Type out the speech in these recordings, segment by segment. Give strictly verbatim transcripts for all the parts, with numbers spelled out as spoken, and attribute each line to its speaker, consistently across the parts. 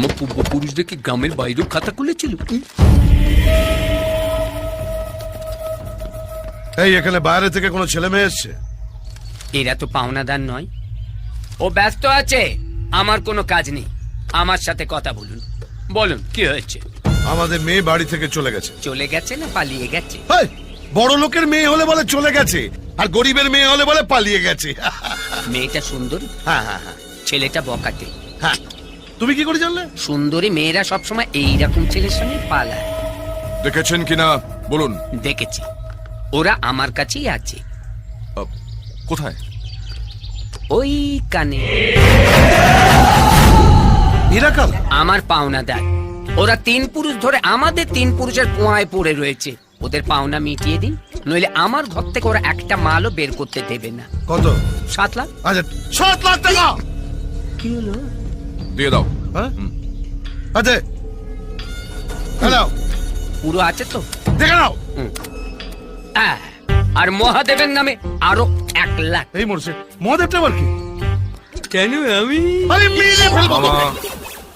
Speaker 1: আমার পূর্বপুরুষদের কি গ্রামের বাইরেও খাতা খুলেছিল?
Speaker 2: এই এখানে বাইরে থেকে কোনো ছেলে মেয়ে এসছে?
Speaker 1: এরা তো পাওনাদার নয়। ও ব্যস্ত আছে, আমার কোনো কাজ নেই। আমার সাথে কথা বলুন। বলুন কি হয়েছে?
Speaker 2: আমাদের মেয়ে বাড়ি থেকে চলে গেছে।
Speaker 1: চলে গেছে না পালিয়ে গেছে?
Speaker 2: হেই, বড় লোকের মেয়ে হলে বলে চলে গেছে, আর গরিবের মেয়ে হলে বলে পালিয়ে গেছে।
Speaker 1: মেয়েটা সুন্দরী,
Speaker 2: হ্যাঁ হ্যাঁ হ্যাঁ
Speaker 1: ছেলেটা বকাটে।
Speaker 2: হ্যাঁ, তুমি কি করে জানলে?
Speaker 1: সুন্দরী মেয়েরা সবসময় এইরকম ছেলের সঙ্গে পালায়।
Speaker 3: দেখেছেন কিনা বলুন।
Speaker 1: দেখেছি, ওরা আমার কাছেই আছে।
Speaker 3: আহ, কোথায়?
Speaker 1: ওই কানে।
Speaker 2: নিরাকাল
Speaker 1: আমার পাওনাদার। ওরা তিন পুরুষ ধরে আমাদের তিন পুরুষের পোঁয়ায় পড়ে রয়েছে। ওদের পাওনা মিটিয়ে দিন, নইলে আমার ঘর থেকে ওরা একটা মালও বের করতে দেবে না।
Speaker 2: কত?
Speaker 1: সাত লাখ।
Speaker 2: আচ্ছা, সাত লাখ টাকা
Speaker 1: কি হলো?
Speaker 3: দিয়ে দাও।
Speaker 2: হ্যাঁ আচ্ছা, হ্যালো,
Speaker 1: পুরো আছে তো?
Speaker 2: দেখে নাও।
Speaker 1: আহ, আর মহাদেবের নামে আরো এক লাখ।
Speaker 2: এই মরছে মহাদেবটা আবার কি?
Speaker 1: কেন আমি?
Speaker 2: আরে মেরে ফেলবো
Speaker 3: মামা,
Speaker 2: তোকে।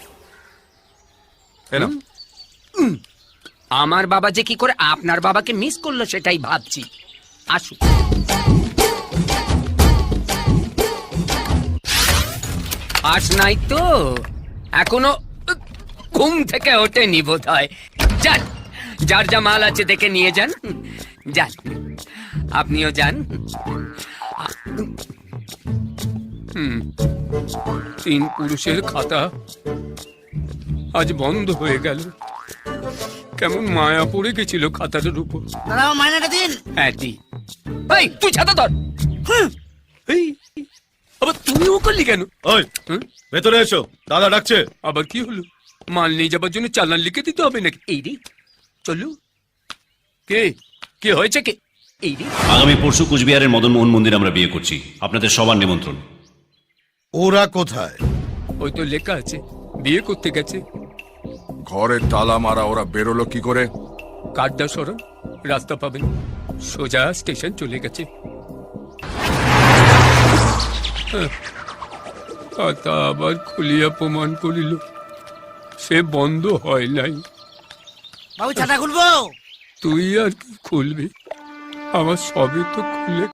Speaker 3: এই নাও।
Speaker 1: আমার বাবা যে কি করে আপনার বাবাকে মিস করলো সেটাই ভাবছি। আসুন। আস নাই তো এখনো ঘুম থেকে ওঠেনি বোধ হয়। যান, যার যা মাল আছে দেখে নিয়ে যান। যান, আপনিও যান। হুম, তিন পুরুষের খাতা আজ বন্ধ হয়ে গেল। কেমন মায়া পড়ে গেছিল খাতাটার উপর।
Speaker 4: দাদা মাইনাটা দিন।
Speaker 1: হ্যাঁ দি। এই তুই ছাতা ধর। এই আবার তুমিও করলি কেন?
Speaker 2: ওই
Speaker 1: হুম?
Speaker 2: ভেতরে এসো, দাদা ডাকছে।
Speaker 1: আবার কি হলো? মাল নিয়ে যাবার জন্য চালান লিখে দিতে হবে নাকি? এই রে চলু। কে কে হয়েছে কে? এই রে
Speaker 5: আগামী পরশু কুচবিহারের মদন মোহন মন্দির আমরা বিয়ে করছি, আপনাদের সবার নিমন্ত্রণ।
Speaker 2: ওরা কোথায়?
Speaker 1: ওই তো লেখা আছে বিয়ে করতে গেছে।
Speaker 3: ঘরে তালা মারা, ওরা বেরোলো কি করে?
Speaker 1: কাঠদা সরণ, রাস্তা পাবেন, সোজা স্টেশন চলে গেছে। হ্যাঁ, খাতা আবার খুলিয়া প্রমাণ করিল সে বন্ধ হয় নাই।
Speaker 4: বাবু ছাতা খুলবো?
Speaker 1: তুই আর কি খুলবি? আমার সবই তো খুলে